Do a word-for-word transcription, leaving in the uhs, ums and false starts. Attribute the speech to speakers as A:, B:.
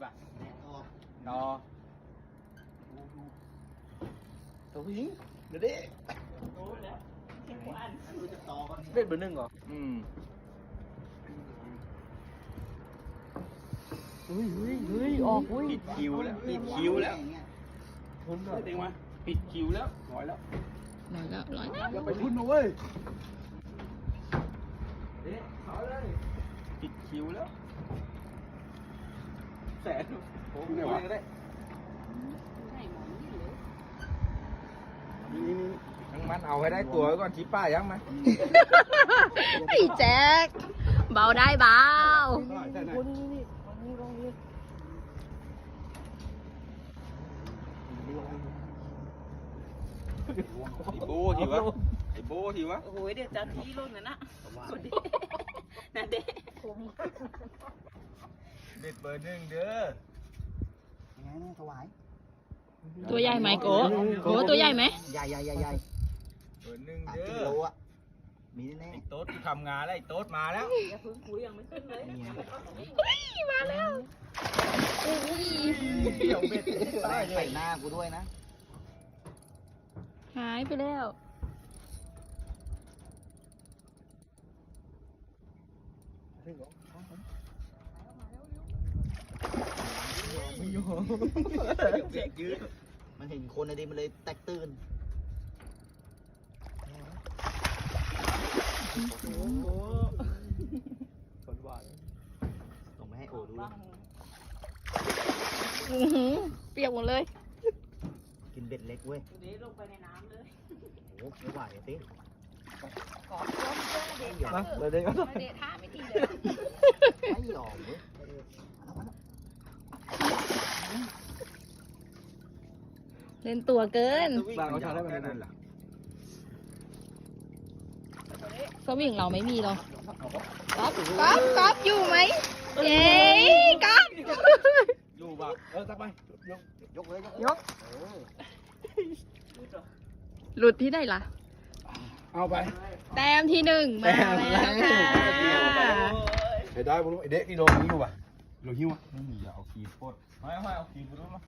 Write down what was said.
A: ต่อตัวผู้หญิงเดี๋ยวดิเล่นเบอร์หนึ่งเหรออืมเฮ้ยเฮ้ยเฮ้ยออกเฮ้ยปิดคิวแล้วปิดคิวแล้วทุนเหรอเต็งมาปิดคิวแล้วร้อยแล้ว
B: ร้อยแล้วร้อยแล้ว
A: อย่าไปทุนนะเว้ยเด็กขอเลยปิดคิวแล้วแสนโอ้โหได้ก็ได้นี่นี่ยังมันเอาให้ได้ตัวก่อนชี้ป้ายังไหม
B: ไอ้แจ็คเบาได้เบา
A: คนนี้นี่คนนี้ลงนี่ไอ้โบทีวะไอ้โบทีวะ
C: โอ้โหเดี๋ยวจะทีรุ่นน่ะนะคนเด็กนั่นเด็ก
A: เด็ดเบอร์หนึ่งเด้อ
D: ยังไงเนี่ยถวาย
B: ตัวใหญ่ไหมโกโกตัวใหญ่ไหม
D: ใหญ่ใหญ่ใหญ่ใหญ่
A: เบอร์หนึ่ง
D: สาม
A: เด้
D: กิ
A: อ
D: โลอ่ะมีแน่
A: ไอ้โต๊ดที่ทำงานแล้วไอ้โต๊ดมาแล้ว
C: อย่าพึ่งคุยยังไม่ขึ้นเลย
D: ๆนี่ไง
B: เฮ้ยมาแล้วอุ้ย
A: เดี๋ยวเบ็ด
D: แม่งใส่หน้ากูด้วยนะ
B: หายไปแล้ว
A: เบ็ดยืด
D: มันเห็นคนในดิมันเลยแตกตื่น
A: โอ้โหคนหวาน
D: ส่งไปให้โอดู
B: อื้อหือเปียกหมดเลย
D: กินเบ็ดเล็กเว้ย
C: เดี๋ยวลงไปในน้ำเลย
D: โอ้โหไม่ไหวอะสิ
C: ขอต้มเจ้าเด็ก
A: นะเดี๋ยวเด็กก็
C: เด็กท่าไม่ดีเลย
D: ไม่ยอมเว้ย
B: เล่นตัวเกิน
A: บางเขาทำได้แบบนั้นเหรอ
B: สวิงเราไม่มีหรอกก๊อฟก๊อฟก๊อฟอยู่ไหมเย้ก๊อฟ
A: อยู่ป่ะเออตักไปยก
D: ยกเลย
B: ยกหลุดที่ไหนล่ะ
A: เอาไป
B: แต้มที่หนึ่งมาแล้วค่ะ
A: ไอ้ได้บุรุษไอ้เด็กกิโลหิ้วป่ะกิโลหิ้วอ่ะไม่มีเอาขีดโคตรไม่ไม่เอาขีดบุรุษมา